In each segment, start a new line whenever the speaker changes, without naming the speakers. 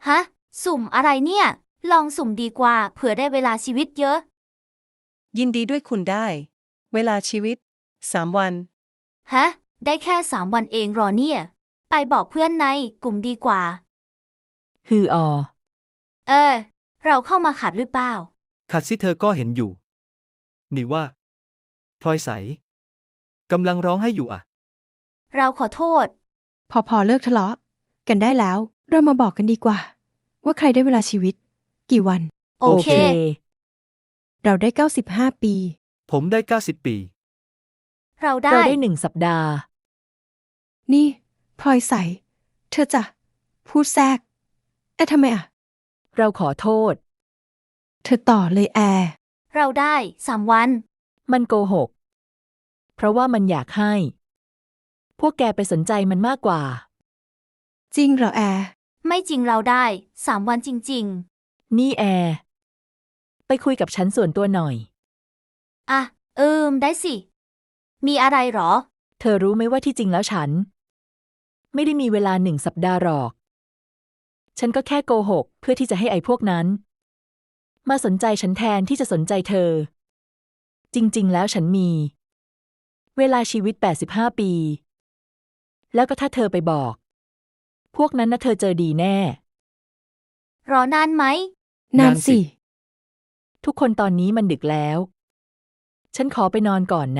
ฮะ สุ่มอะไรเนี่ย ลองสุ่มดีกว่าเผื่อได้เวลาชีวิตเยอะ
ยินดีด้วยคุณได้ เวลาชีวิต 3 วัน
ฮะ ได้แค่3 วันเองหรอเนี่ย ไปบอกเพื่อนในกลุ่มดีกว่า
ฮือออ
เราเข้ามาขัดหรือเปล่า
ขัดสิเธอก็เห็นอยู่ นี่ว่าพลอยใสกำลังร้องให้อยู่อ่ะ
เราขอโทษ
พอเลิกทะเลาะกันได้แล้ว เรามาบอกกันดีกว่า ว่าใครได้เวลาชีวิต กี่วัน
โอเค
เราได้95 ปี
ผมได้90 ปี
เราได้
เราได้1 สัปดาห์
นี่พลอยใส เธอจะพูดแทรกทำไมอ่ะ
เราขอโทษ
เธอต่อเลยแอร์
เราได้3 วัน
มันโกหก เพราะว่ามันอยากให้ พวกแกไปสนใจมันมากกว่า
จริงเหรอแอร์
ไม่จริงเราได้3 วันจริง
นี่แอร์ ไปคุยกับฉันส่วนตัวหน่อย
ๆ อ่ะ ได้สิ มีอะไรหรอ
เธอรู้ไหมว่าที่จริงแล้วฉัน ไม่ได้มีเวลา1 สัปดาห์หรอก ฉันก็แค่โกหกเพื่อที่จะให้ไอ้พวกนั้น มาสนใจฉันแทนที่จะสนใจเธอ จริงๆแล้วฉันมี เวลาชีวิต85 ปี แล้วก็ถ้าเธอไปบอก พวกนั้นนะเธอเจอดีแน่
รอนานไหม
นานสิ
ทุกคนตอนนี้มันดึกแล้ว ฉันขอไปนอนก่อนนะ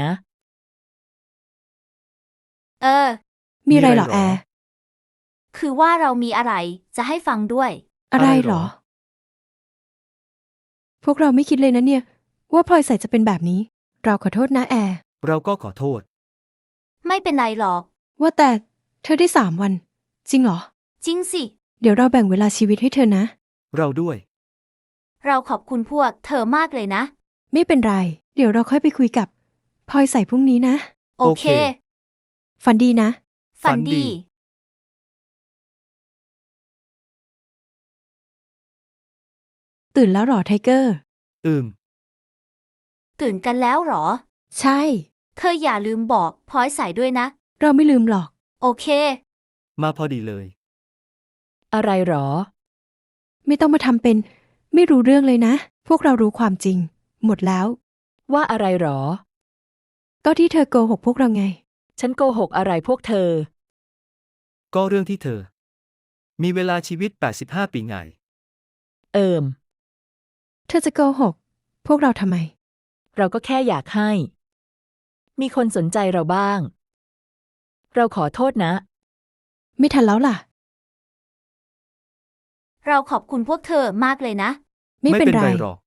มีอะไรเหรอแอร์
คือว่าเรามีอะไรจะให้ฟังด้วย
อะไร
อะไร
เห
เห
ร
ร
อ
อ
พวกเราไม่คิดเลยนะเนี่ย ว่าพลอยใสจะเป็นแบบนี้ เราขอโทษนะแอร์
เราก็ขอโทษ
ไม่เป็นไรหรอก
ว่าแต่เธอได้3 วัน จริงเหรอ
จริงสิ
เดี๋ยวเราแบ่งเวลาชีวิตให้เธอนะ
เราด้วย
เราขอบคุณพวกเธอมากเลยนะ
ไม่เป็นไร เดี๋ยวเราค่อยไปคุยกับพลอยใสพรุ่งนี้นะ
โอเค
โอเค
ฝันดีนะ
ฝัน
ฝันดี
ดี
ตื่นแล้วเหรอไทเกอร์
ตื่นกันแล้วหรอ
ใช่
เธออย่าลืมบอกพลอยใส่ด้วยนะ
เราไม่ลืมหรอก
โอเค
มาพอดีเลย
อะไรหรอ
ไม่ต้องมาทำเป็น ไม่รู้เรื่องเลยนะ พวกเรารู้ความจริง หมดแล้ว
ว่าอะไรหรอ
ก็ที่เธอโกหกพวกเราไง
ฉันโกหกอะไรพวกเธอ
ก็เรื่องที่เธอ มีเวลาชีวิต85 ปีไง
เธอจะโกหก พวกเราทำไม
เราก็แค่อยากให้ มีคนสนใจเราบ้าง เราขอโทษนะ
ไม่ทันแล้วล่ะ
เราขอบคุณพวกเธอมากเลยนะ
ไม่เป็นไร
หรอก